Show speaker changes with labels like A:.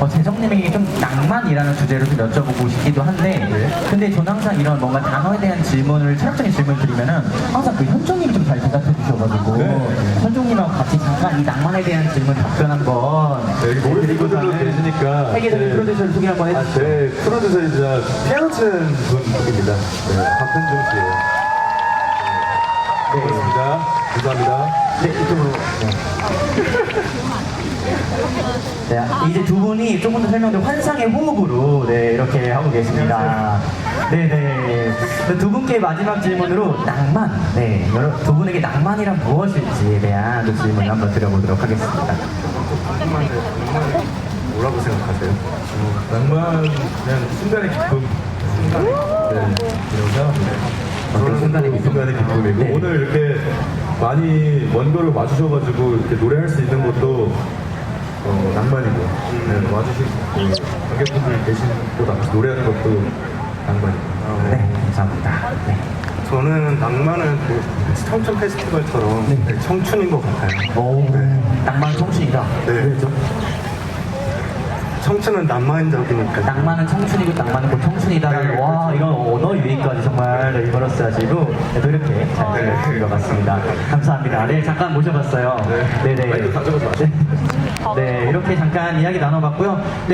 A: 재정님에게 좀 낭만이라는 주제로 좀 여쭤보고 싶기도 한데, 근데 저는 항상 이런 뭔가 단어에 대한 질문을, 철학적인 질문을 드리면은 항상 그 현종님이 좀 잘 대답해 주셔가지고, 현종님하고 같이 잠깐 이 낭만에 대한 질문 답변 한번
B: 여기 모르는 분들도 계시니까
A: 세계적인 프로듀서를 소개 한번 해주세요.
B: 제 프로듀서이자 피아노 치는 분입니다. 박현종 씨예요. 네, 고맙습니다. 감사합니다.
A: 네, 이쪽으로. 네, 이제 두 분이 조금 더 설명드린 환상의 호흡으로 네, 이렇게 하고 계십니다. 네네. 두 분께 마지막 질문으로 낭만. 네, 두 분에게 낭만이란 무엇일지에 대한 그 질문을 한번 드려보도록 하겠습니다.
B: 낭만은 뭐라고 생각하세요? 낭만 그냥 순간의 기쁨.
A: 어떤 순간의 기쁨?
B: 순간의 기쁨이고
A: 네.
B: 오늘 이렇게 많이 먼 거를 와주셔가지고 이렇게 노래할 수 있는 것도 낭만이고 와주신 관객분들 계신 곳 앞에서 노래하는 것도 낭만이고.
A: 네, 감사합니다. 네.
C: 저는 낭만은 그 청춘 페스티벌처럼
A: 네.
C: 청춘인 것 같아요.
A: 오, 낭만 청춘이다.
C: 네.
A: 왜죠?
C: 청춘은 낭만적이니까.
A: 낭만은 청춘이고 낭만은 곧 청춘이다라는 와 이런 언어 유희까지 정말 리버러스 하시고 또 이렇게 잘 들려주신 것 같습니다. 감사합니다. 네 잠깐 모셔봤어요. 네네.
B: 마이크 가져가지 마세요.
A: 네 이렇게 잠깐 이야기 나눠봤고요.